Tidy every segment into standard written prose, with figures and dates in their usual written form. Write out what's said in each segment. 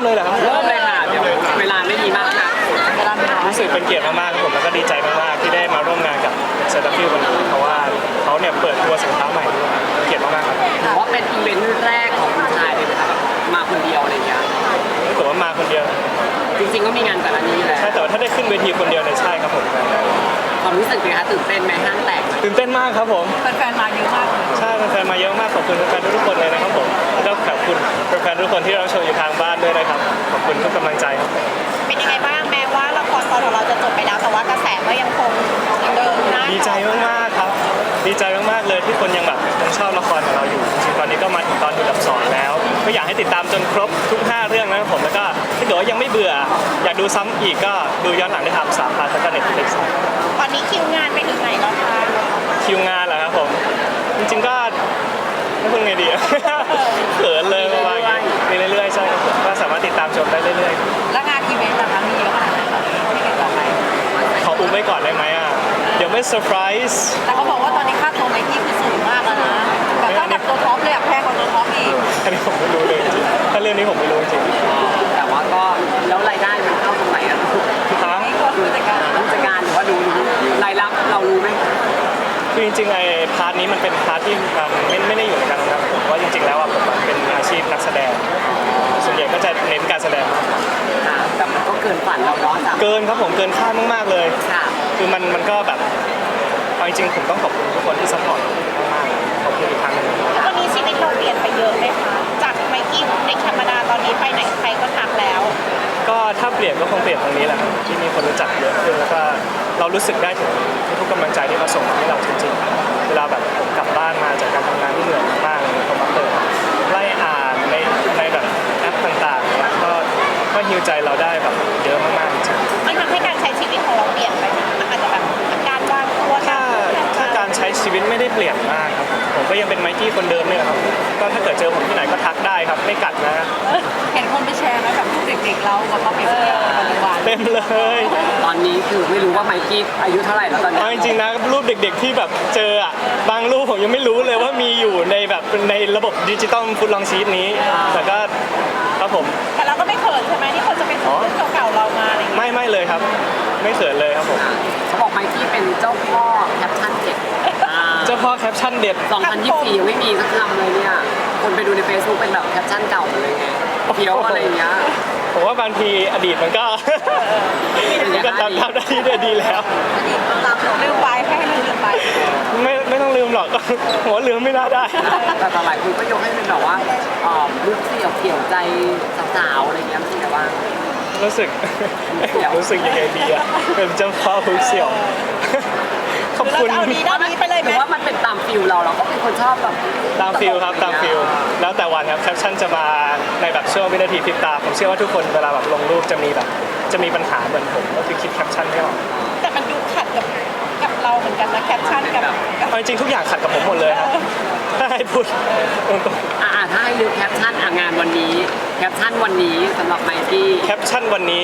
เลยเหรอครับเริ่มเลยค่ะเดี๋ยวเวลาไม่มีมากนะเวลาไม่น้อยรู้สึกเป็นเกียรติมากๆครับผมแล้วก็ดีใจมากๆที่ได้มาร่วมงานกับเซตาฟิลวันนี้เพราะว่าเขาเนี่ยเปิดตัวสินค้าใหม่ด้วยเกียรติมากๆครับถือว่าเป็นอีเวนต์แรกของคุณชายเลยนะคะแบบมาคนเดียวอะไรเงี้ยถือว่ามาคนเดียวจริงๆก็มีงานก่อนอันนี้แหละใช่แต่ว่าถ้าได้ขึ้นเวทีคนเดียวเนี่ยใช่ครับผมความรู้สึกเป็นไงคะตื่นเต้นไหมห้างแตกไหมตื่นเต้นมากครับผมแฟนๆมาเยอะมากเลยใช่แฟนๆมาเยอะมากขอบคุณแฟนๆทุกคนเลยนะครับผมแล้วก็ขอบคุณแฟนๆทุกคนที่เราชมอยู่ทางบ้านด้วยนะครับขอบคุณทุกกำลังใจครับเป็นยังไงบ้างแม้ว่าละครตอนของเราจะจบไปแล้วแต่ว่ากระแสก็ยังคงเดิมนะดีใจมากๆครับดีใจมากๆเลยที่คนยังแบบยังชอบละครของเราอยู่จริงๆตอนนี้ก็มาถึงตอนที่ดับ2แล้วก็อยากให้ติดตามจนครบทุก5เรื่องนะครับผมแล้วก็ถ้าเกิดว่ายังไม่เบื่ออยากดูซ้ำอีกก็ดูย้อนหลังได้ทาง3พาร์ทแล้วก็ Netflix ตอนนี้คิวงานไปถึงไหนแล้วคะคิวงานเหรอครับผมจริงๆก็ไม่พูดไงดีอะ เขินเลยประมาณนี้มีเรื่อยๆใช่ครับผมก็สามารถติดตามชมได้เรื่อยๆแล้วงานอีเวนต์ล่ะคะมีเยอะขนาดไหนที่เห็นต่อไปขออุ้มไว้ก่อนได้ไหมอ่ะ เดี๋ยวไม่เซอร์ไพรส์แต่เขาบอกว่าตอนนี้ค่าตัวไมค์กี้คือสูงมากแล้วนะแบบต้องแบบตัวท็อปเลยอะแพงกว่าตัวท็อปอีกอันนี้ผมไม่รู้เลยจริงๆถ้าเรื่องนี้ผมไม่รู้จริงแต่ว่าก็แล้วรายได้มันเข้าตรงไหนอะๆทั้งนี่ก็คือแต่การผู้จัดการหรือว่ารู้รายรับเรารู้ไหมคือจริงๆไอ้พาร์ทนี้มันเป็นพาร์ทที่มันไม่ได้อยู่ในการทำงานผมว่าจริงๆแล้วอ่ะผมเป็นอาชีพนักแสดง ส่วนใหญ่ก็จะเน้นการแสดงมากกว่าค่ะแต่มันก็เกินฝันเราเนาะจ้ะเกินครับผมเกินคาดมากๆเลยค่ะคือมันก็แบบเอาจริงๆผมต้องขอบคุณทุกคนที่ซัพพอร์ตมากๆขอบคุณอีกครั้งหนึงตอนนี้ชีวิตเราเปลี่ยนไปเยอะเลยค่ะจากไมค์กี้เด็กธรรมดาตอนนี้ไปไหนใครก็ทักแล้วก็ถ้าเปลี่ยนก็คงเปลี่ยนตรงนี้แหละครับที่มีคนรู้จักเยอะขึ้นแล้วก็เรารู้สึกได้ถึงทุกกำลังใจที่เขาส่งมาให้เราจริงๆเวลาแบบผมกลับบ้านมาจากการทำงานที่เหนื่อยมากๆเลยผมมาเปิดไล่อ่านในแบบแอปต่างๆเนี่ยก็ฮิวใจเราได้แบบเยอะมากๆจริงๆมันทำให้การใช้ชีวิตของเราเปลี่ยนไปไหมอาจจะแบบการวางตัวถ้าการใช้ชีวิตไม่ได้เปลี่ยนมากครับผมก็ยังเป็นไมกี้คนเดิมเนี่ยครับก็ถ้าเกิดเจอผมที่ไหนก็ทักได้ครับไม่กัดนะเห็นคนไปแชร์ไหมแบบรูปเด็กๆเรากับเขาเปรียบเทียบกับปัจจุบันเต็มเลยตอนนี้คือไม่รู้ว่าไมค์กี้อายุเท่าไหร่แล้วตอนนี้เอาจริงๆนะรูปเด็กๆที่แบบเจออ่ะบางรูปผมยังไม่รู้เลยว่ามีอยู่ในแบบในระบบดิจิตอลฟุตลองชีตนี้แต่ก็ครับผมแต่เราก็ไม่เขินใช่ไหมที่คนจะไปซื้อรูปเก่าๆเรามาอะไรอย่างเงี้ยไม่เลยครับ ไม่เขินเลยครับผมเขาบอกไมค์กี้เป็นเจ้าพ่อแคปชั่นเด็ดเจ้าพ่อแคปชั่นเด็ด 2024ยังไม่มีสักคำเลยเนี่ยคนไปดูใน Facebook เป็นแบบแคปชั่นเก่าหมดเลยไงเพี้ยวอะไรอย่างเงี้ยผมว่าบางทีอดีตมันก็ มันก็ทำได้ที่ดีแล้วลืมไปให้ลืมไปไม่ต้องลืมหรอก ผมว่าลืมไม่น่าได้แต่หลายคนก็ยกให้เป็นแบบว่าลูกเสี่ยวเกี่ยวใจสาวๆอะไรเงี้ยไม่ใช่แต่ว่ารู้สึก รู้สึกยังไงดีอะเป็นเจ้าพ่อฮุกเสี่ยว ขอบคุณเราจะเอาดีด้านนี้ไปเลยหไหมรือว่ามันเป็นตามฟิลเราก็เป็นคนชอบแบบตามฟิลครับตามฟิลแล้วแต่วันครับแคปชั่นจะมาในแบบช่วงวินาทีพริบตาผมเชื่อว่าทุกคนเวลาแบบลงรูปจะมีปัญหาเหมือนผมก็คือคิดแคปชั่นไม่ออกแต่มันดูขัดกับเราเหมือนกันนะแคปชั่นกับเอาจริงๆทุกอย่างขัดกับผมหมดเลยครับถ้าให้พูดตรงถ้าให้นึกแคปชั่นงานวันนี้แคปชั่นวันนี้สำหรับไมกี้ๆแคปชั่นวันนี้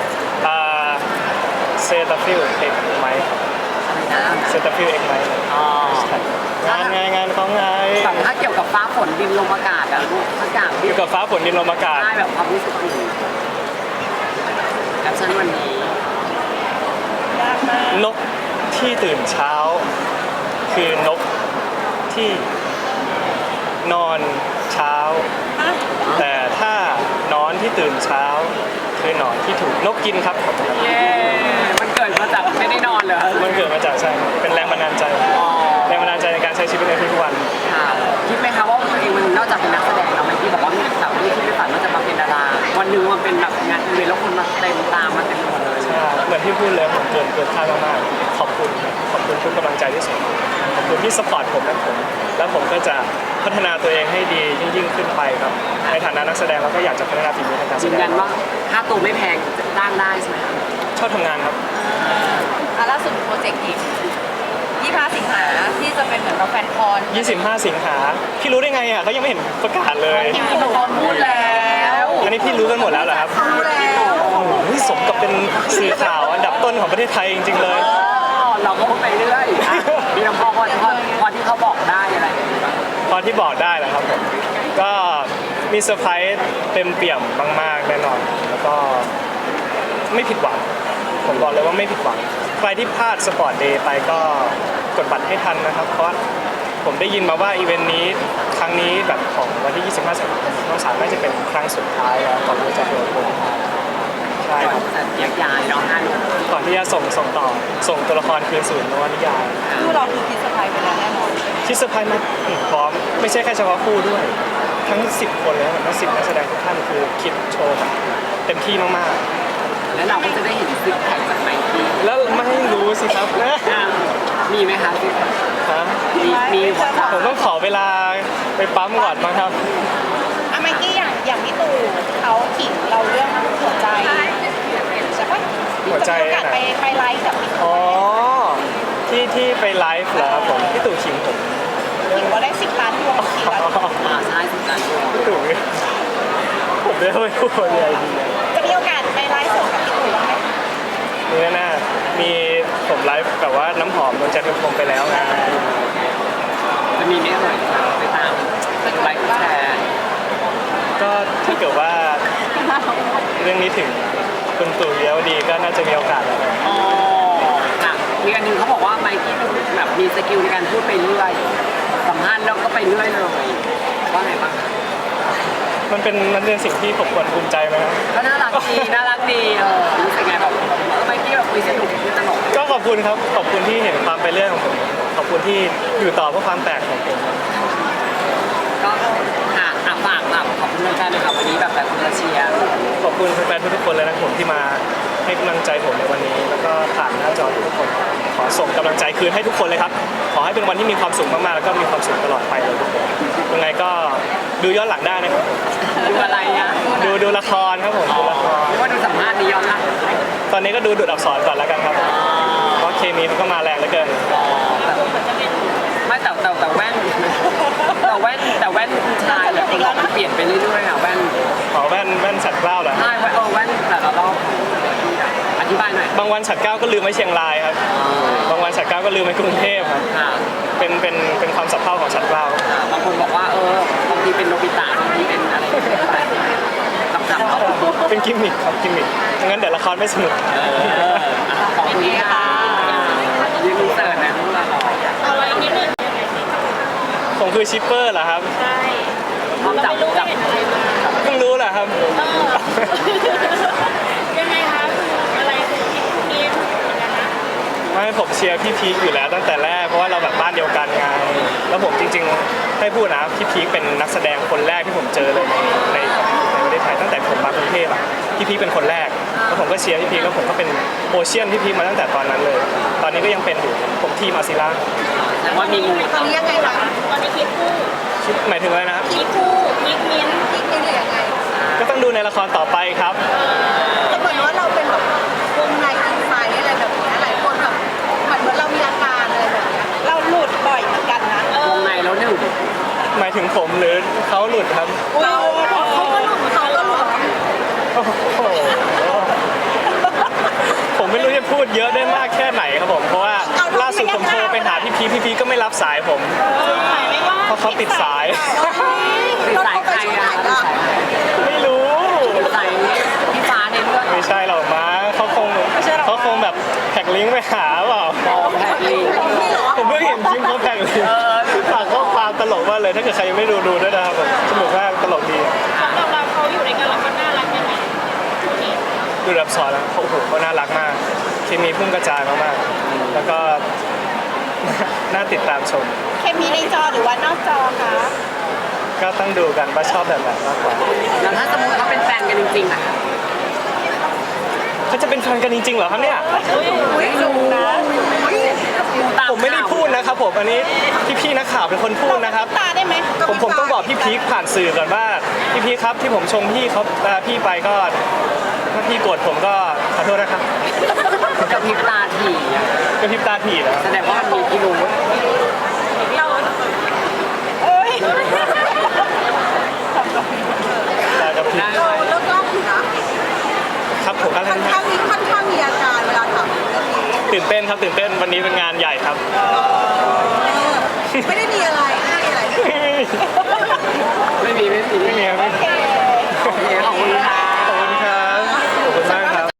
เซตาฟิลเอกไหมเซตาฟิลเอกไหมงานเขาไงแบบถ้าเกี่ยวกับฟ้าฝนดินลมอากาศอะลูกทุกอย่างอยู่กับฟ้าฝนดินลมอากาศได้แบบความรู้สึกอยู่แคปชั่นวันนี้ยากมากนกที่ตื่นเช้า คือนกที่นอนเช้า แต่ถ้านอนที่ตื่นเช้า คือหนอนที่ถูกนกกินครับเย้มันเกิดมาจากไม่ได้นอนเลยมันเกิดมาจากใช่เป็นแรงบันดาลใจแรงบันดาลใจในการใช้ชีวิตในทุกวันค่ะคิดไหมคะว่าตัวเองมันนอกจากเป็นนักแสดงแล้วไมกี้บอกว่ามีแบบไม่คิดไม่ฝันว่าจะมาเป็นดาราวันหนึ่งมันเป็นแบบงานอีเวนต์แล้วคนมาเต็มตามมาเต็มหมดเลยเหมือนที่พูดเลยผมเกินคาดมากๆขอบคุณทุกกำลังใจที่ส่งมาขอบคุณที่สปอร์ตผมแล้วผมก็จะพัฒนาตัวเองให้ดียิ่งขึ้นไปครับในฐานะนักแสดงเราก็อยากจะพัฒนาฝีมือทางการแสยืนดยังนว่าค่าตัวไม่แพงจ้างได้ใช่ไหมคะชอบทำงานครับล่าสุดโปรเจกต์อีก25 สิงหาที่จะเป็นเหมือนเราแฟนคอน 25 สิงหาพี่รู้ได้ไงอ่ะเขายังไม่เห็นประกาศเลยพี่โดนพูดแล้วอันนี้พี่รู้กันหมดแล้วเหรอครับพูดแล้วโอ้โหสมกับเป็นสื่อข่าวอันดับต้นของประเทศไทยจริงๆเลยเราก็พูดไปเรื่อยมีน้ำพอที่เขาบอกได้อะไรอย่างเงี้ยตอนที่บอกได้แหละครับผมก็มีเซอร์ไพรส์เต็มเปี่ยมมากๆแน่นอนแล้วก็ไม่ผิดหวังผมบอกเลยว่าไม่ผิดหวังใครที่พลาดสปอร์ตเดย์ไปก็กดบัตรให้ทันนะครับเพราะผมได้ยินมาว่าอีเวนต์นี้ครั้งนี้แบบของวันที่ 25 สิงหาคมน้องสามน่าจะเป็นครั้งสุดท้ายแล้วก่อนที่จะโดนโกงใช่ก่อนครับจะแยกย้ายเนาะ5 หนุ่มก่อนที่จะส่งต่อส่งตัวละครคืนสู่นวนิยายคู่เราคือคิดสะพายไปแล้วแน่นอนที่เซอร์ไพรส์มาพร้อมไม่ใช่แค่เฉพาะคู่ด้วยทั้ง 10 คนเลยนะทั้ง10 นักแสดงทุกท่านคือคิดโชว์แบบเต็มที่มากแล้วเราก็จะได้เห็นซิกแพคจากไมค์กี้ๆ แล้วไม่รู้สิครับมีไหมคะซิกแพคฮะมีหัวใจผมต้องขอเวลาไปปั๊มก่อนมั้งครับอะไมกี้อย่างพี่ตู่เขาขิงเราเรื่องหัวใจใช่ปะหัวใจจะมีโอกาสไปไลฟ์กับพี่อ๋อที่ไปไลฟ์เหรอครับผมพี่ตู่ขิงผมขิงว่าได้10 ล้านดวงขิงแล้วใช่สิบล้านดวงพี่ตู่ผมไม่รู้พูดอะไรดีจะมีโอกาสไปไลฟ์สดกับพี่ตู่บ้างไหมนี่แน่ๆมีผมไลฟ์แบบว่าน้ำหอมโดนจัดเป็นผมไปแล้วไงจะมีไหมเอ่ยไปตามไลค์แชร์ก็ถ้าเกิดว่าเรื่องนี้ถึงคุณตู่เลี้ยวดีก็น่าจะมีโอกาสแล้วครับอ๋อค่ะมีอันหนึงเขาบอกว่าไมค์กี้แบบมีสกิลในการพูดไปเรื่อยสัมภาษณ์แล้วก็ไปเรื่อยเลยว่าไงบ้างมันเป็นสิ่งที่ผมควรภูมิใจไหมครับก็น่ารักดีน่ารักดีรู้สึกไงแบบไมค์กี้แบบคุยสนุกคุยตลกก็ขอบคุณครับขอบคุณที่เห็นความไปเรื่องของผมขอบคุณที่อยู่ต่อเพื่อความแตกของผมก็ฝากแบบขอบคุณแฟนๆนะครับวันนี้แบบคนมาเชียร์ขอบคุณแฟนๆทุกๆคนเลยนะครับผมที่มาให้กำลังใจผมในวันนี้ แล้วก็ผ่านหน้าจอทุกคนขอส่งกำลังใจคืนให้ทุกคนเลยครับขอให้เป็นวันที่มีความสุขมากๆแล้วก็มีความสุขตลอดไปเลยทุกคนยังไงก็ดูย้อนหลังได้นะครับดูอะไรอ่ะดูละครครับผมดูละครหรือว่าดูสัมภาษณ์นี้ย้อนหลังตอนนี้ก็ดูอักษรก่อนแล้วกันครับเพราะเคมีมันก็มาแรงเหลือเกินไม่แต่แว่นคุณชายแบบคนบอกมันเปลี่ยนไปเรื่อยๆอ่ะแว่นขอแว่นฉัดเกล้าเหรอใช่แว่นแต่ละรอบอธิบายหน่อยบางวันฉัดเกล้าก็ลืมไว้เชียงรายครับบางวันฉัดเกล้าก็ลืมไว้กรุงเทพครับค่ะเป็นความสับเพร่าของฉัดเกล้าบางคนบอกว่าบางทีเป็นโนบิตะบางทีเป็นอะไรจำๆเป็นกิมมิคครับกิมมิคงั้นเดี๋ยวละครไม่สนุกขอบคุณค่ะยืนรีเสิร์ชนะทุกเราเอาไว้นิดนึงผมคือชิปเปอร์เหรอครับใช่พร้อมจับเพิ่งรู้เหรอครับยังไงคะอะไรคือทีมกันนะไม่ผมเชียร์พี่พีคอยู่แล้วตั้งแต่แรกเพราะว่าเราแบบบ้านเดียวกันไงแล้วผมจริงๆให้พูดนะพี่พีคเป็นนักแสดงคนแรกที่ผมเจอเลยในประเทศไทยตั้งแต่ผมมากรุงเทพอ่ะพี่พีคเป็นคนแรกแล้วผมก็เชียร์พี่พีคแล้วผมก็เป็นโอเชียนพี่พีคมาตั้งแต่ตอนนั้นเลย ตอนนี้ก็ยังเป็นอยู่ผมทีมอาซิล่าแต่ว่ามีงูตอนนี้ยังไงคะตอนนี้คิดคู่คิดหมายถึงอะไรนะครับคิดคู่คิดมิ้นคิดมิ้นหรือยังไงก็ต้องดูในละครต่อไปครับแต่เหมือนว่าเราเป็นแบบวงในอินไซด์อะไรแบบนี้หลายคนแบบเหมือนเรามีอาการอะไรแบบนี้เราหลุดบ่อยเหมือนกันนะวงในแล้วหนึ่งหมายถึงผมหรือเขาหลุดครับเราเขาก็หลุดเขาก็หลุดโอ้โหผมไม่รู้จะพูดเยอะได้มากแค่ไหนครับผมเพราะว่าล่าสุดผมโทรไปหาพี่พีก็ไม่รับสายผมเพราะเขาติดสายติดสายใครอ่ะติดสายไม่รู้ติดสายพี่ฟ้าในเรื่องไม่ใช่หรอกมั้งเขาคงแบบแท็กลิงก์ไปหาเปล่าบอมแพทลิงผมเพิ่งเห็นคลิปเขาแท็กลิงก์ฝากข้อความตลกมากเลยถ้าเกิดใครยังไม่ดูด้วยนะครับผมสนุกมากตลกดีสำหรับเราเขาอยู่ในกันแล้วเขาน่ารักยังไงคู่นี้ดูรับสอนแล้วโอ้โหเขาน่ารักมากเคมีพุ่งกระจายมากๆแล้วก็ น่าติดตามชมเคมีในจอหรือว่านอกจอคะก็ต้องดูกันว่าชอบแบบไหนมากกว่าแล้วถ้าสมมติเขาเป็นแฟนกันจริงๆอ่ะเขาจะเป็นแฟนกันจริงๆเหรอครับเนี่ยไม่รู้นะตาผมไม่ได้พูดนะครับผมอันนี้พี่ๆนักข่าวเป็นคนพูดนะครับตาได้ไหมผมต้องบอกพี่พีคผ่านสื่อก่อนว่าพี่พีคครับที่ผมชมพี่เขาพี่ไปก็ถ้าพี่โกรธผมก็ขอโทษนะครับกับพริบตาถี่อ่ะก็พริบตาถีแล้วแสดงว่ามันมีพิรุธเราเอ้ยแต่กับพี่ได้เราเลิกเล่าอยู่นะครับผมก็ค่อนข้างมีอาการเวลาถามเรื่องนี้ตื่นเต้นครับตื่นเต้นวันนี้เป็นงานใหญ่ครับไม่ได้มีอะไรไม่ได้มีอะไรไม่มีไม่มีครับโอเค